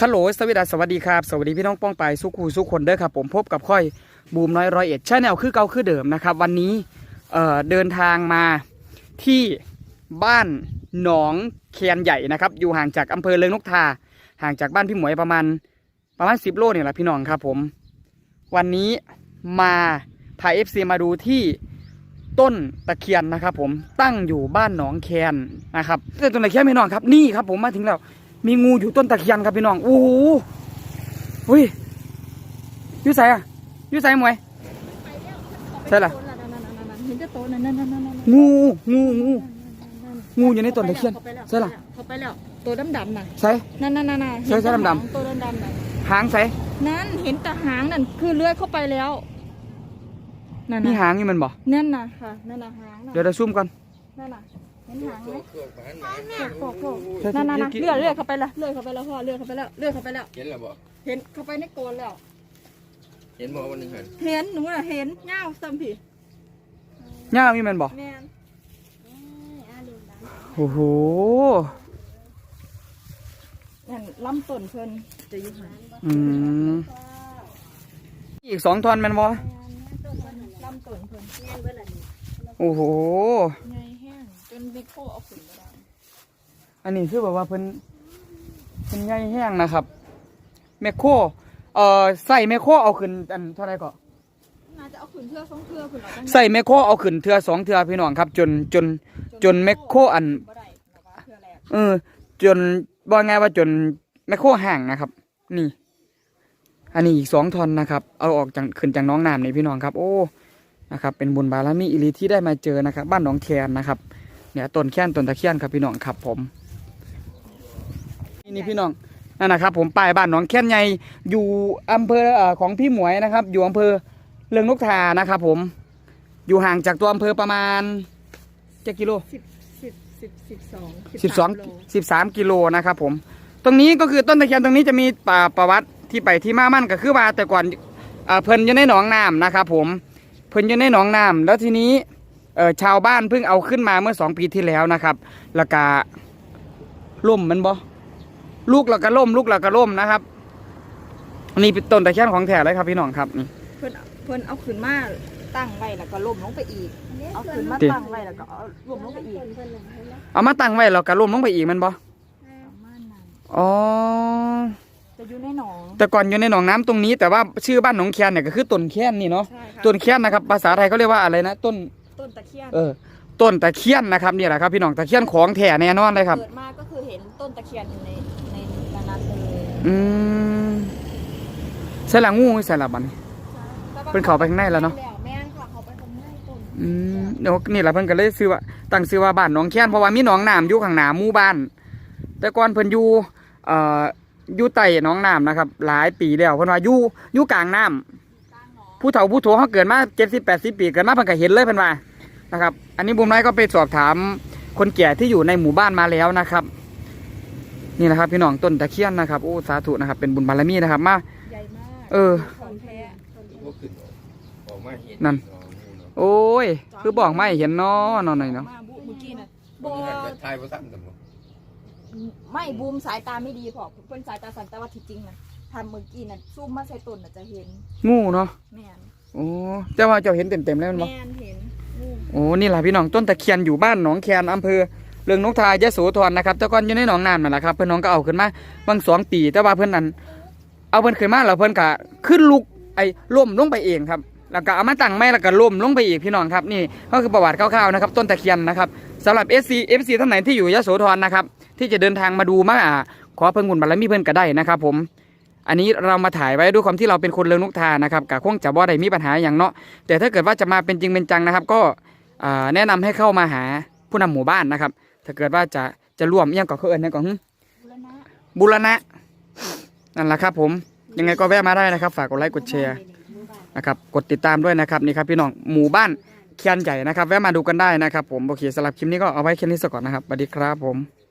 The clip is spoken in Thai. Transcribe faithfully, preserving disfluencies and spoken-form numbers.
ฮัลโหลสวัสดีสวัสดีครับสวัสดีพี่น้องป้องไปสุขูสุขคนเด้อครับผมพบกับค่อยบูมน้อยร้อยเอ็ดชาแนลคือเก่าคือเดิมนะครับวันนี้เอ่อเดินทางมาที่บ้านหนองแคนใหญ่นะครับอยู่ห่างจากอำเภอเลิงนกทาห่างจากบ้านพี่หมวยประมาณประมาณสิบโลเนี่ยแหละพี่น้องครับผมวันนี้มาพาเอฟซีมาดูที่ต้นตะเคียนนะครับผมตั้งอยู่บ้านหนองแคนนะครับต้นตะเคียนพี่น้องครับนี่ครับผมมาถึงแล้วมีงูอยู่ต้นตะเคียนครับพี่น้องโอ้โหอุ้ยยูใส่อะยูใส่หมวยใช่ล่ะงูงูงูงูอยู่ในต้นตะเคียนใช่ล่ะเขาไปแล้วตัวดำดำน่ะใช่นั่นนั่นนั่นใช่ใช่ดำดำตัวดำดำน่ะหางใส่นั่นเห็นแต่หางนั่นคือเลื้อยเข้าไปแล้วนั่นมีหางนี่มันบ่นั่นน่ะค่ะนั่นน่ะหางเดี๋ยวเราซูมก่อนนั่นน่ะเห็นหางไหมนั่นนั่นเลื่อยเลื่อยเข้าไปแล้วเลื่อยเข้าไปแล้วพ่อเลื่อยเข้าไปแล้วเลื่อยเข้าไปแล้วเห็นแล้วบ่เห็นเข้าไปในโกนแล้วเห็นบ่วันนึงเห็นเห็นหนูน่ะเห็นเงาซ้ำพี่เงามีมันบ่โอ้โหนั่นลำต้นเพิ่นจะอยู่ห่างอืมอีกสองท่อนมันบ่ลำต้นเพิ่นโอ้โหไงแห้งจนเบโคเอาขึ้นมาได้อันนี้คือแบบว่าเพิ่นเพิ่นใหญ่แห้งนะครับแมคโครเอ่อใส่แมคโครเอาขึ้นอันเท่าไหร่ก็น่าจะเอาขึ้นเทื่อสองเทื่อขึ้นเอาใส่แมคโครเอาขึ้นเทื่อสองเทื่อพี่น้องครับจนจนจนแมคโครอันเออจนบอกไงว่าจนแมคโครห่างนะครับนี่อันนี้อีกสองท่อนนะครับเอาออกจากขึ้นจากน้องน้ำนี่พี่น้องครับโอ้นะครับเป็นบุญบารมีอิริที่ได้มาเจอนะครับบ้านหนองแคนนะครับเนี่ยต้นแคนต้นตะเคียนครับพี่น้องครับผมนี่พี่น้องนั่นนะครับผมป้ายบ้านหนองแคนใหญ่อยู่อำเภอของพี่หมวยนะครับอยู่อำเภอเลิงนกทานะครับผมอยู่ห่างจากตัวอำเภอประมาณเจ็ดกิโลสิบสิบสิบสิบสองสิบสองสิบสามกิโลนะครับผมตรงนี้ก็คือต้นตะเคียนตรงนี้จะมีป่าประวัติที่ไปที่มามั่นก็คือว่าแต่ก่อนเพิ่นอยู่ในหนองน้ำนะครับผมเพิ่นอยู่ในหนองน้ำแล้วทีนี้ชาวบ้านเพิ่งเอาขึ้นมาเมื่อสองปีที่แล้วนะครับแล้วก็ล่มมันบ่ลูกแล้วก็ล่มลูกแล้วก็ล่มนะครับนี่เป็นต้นตะเคียนของแท้เลยครับพี่น้องครับนี่เพิ่นเพิ่นเอาขึ้นมาตั้งไว้แล้วก็ล่มลงไปอีกเอาขึ้นมาตั้งไว้แล้วก็เอาล่มลงไปอีกเอามาตั้งไว้แล้วก็ล่มลงไปอีกมันบ่อ๋อจะอยู่ในหนองแต่ก่อนอยู่ในหนองน้ำตรงนี้แต่ว่าชื่อบ้านหนองแคนเนี่ยก็คือต้นแคนนี่เนาะต้นแคนนะครับภาษาไทยเขาเรียกว่าอะไรนะต้นต้นตะเคียนเออต้นตะเคียนนะครับนี่แหละครับพี่น้องตะเคียนของแท้แน่นอนเลยครับเกิดมาก็คือเห็นต้นตะเคียนในในนั้นเลยอืมใส่ละงูใส่ละบันเป็นเขาไปข้างในแล้วเนาะแม่นค่ะเขาไปข้างในต้นอืมเดี๋ยวนี่แหละเพิ่นก็เลยซื้อว่าตั้งซื้อว่าบ้านหนองแคนเพราะว่ามีหนองน้ำอยู่ข้างหน้าหมู่บ้านแต่ก่อนเพิ่นอยู่เอ่ออยู่ใต้หนองน้ำนะครับหลายปีแล้วเพิ่นว่าอยู่อยู่กลางน้ำผู้เฒ่าผู้โถเขาเกิดมาเจ็ดสิบแปดสิบปีเกิดมาเพิ่นก็เห็นเลยเพิ่นว่านะครับอันนี้บุญน้อยก็ไปสอบถามคนแก่ที่อยู่ในหมู่บ้านมาแล้วนะครับนี่นะครับพี่น้องต้นตะเคียนนะครับโอ้สาธุนะครับเป็นบุญบารมีนะครับมาใหญ่มากเออนั่นโอ้ยคือบอกไม่เห็นเนาะนอนหน่อยเนาะไม่บูมสายตาไม่ดีพอเพิ่นสายตาสั่นแต่ว่าที่จริงนะทำเมื่อกี้น่ะซูมมาใส่ต้นน่ะจะเห็นงูเนาะแม่นโอ้เจ้าว่าเจ้าเห็นเต็มๆแล้วมั้ยแม่นเห็นโอ้นี่แหละพี่น้องต้นตะเคียนอยู่บ้านหนองแคนอำเภอเลิงนกทายะโสธรนะครับแต่ก่อนอยู่ในหนองน้ำนั่นแหละครับเพื่อนน้องก็เอาขึ้นมาบางสองปีแต่ว่าเพื่อนนั้นเอาเพื่อนขึ้นมาแล้วเพื่อนก็ขึ้นลุกไอ้ล่มลงไปเองครับแล้วก็เอามาตั้งไม้แล้วก็ล่มลงไปอีกพี่น้องครับนี่ก็คือประวัติคร่าวๆนะครับต้นตะเคียนนะครับสำหรับ เอฟ ซี เอฟ ซี ท่านไหนที่อยู่ยะโสธรนะครับที่จะเดินทางมาดูมาขอเพิ่งบุญบารมีเพิ่นก็ได้นะครับผมอันนี้เรามาถ่ายไว้ด้วยความที่เราเป็นคนเลิงนกทานะครับกะคงจะบ่ได้มีปัญหาอย่างเนาะแต่ถ้าเกิดว่าจะมาเป็นจริงเป็นจังนะครับก็แนะนำให้เข้ามาหาผู้นำหมู่บ้านนะครับถ้าเกิดว่าจะจะร่วมยังกับเขาเอิญนะก่อนบุรณะนั่นแหละครับผมยังไงก็แวะมาได้นะครับฝากกดไลค์กดแชร์นะครับกดติดตามด้วยนะครับนี่ครับพี่น้องหมู่บ้านแคนใหญ่นะครับแวะมาดูกันได้นะครับผมโอเคสำหรับคลิปนี้ก็เอาไว้แค่นี้สักก่อนนะครับสวัสดีครับผม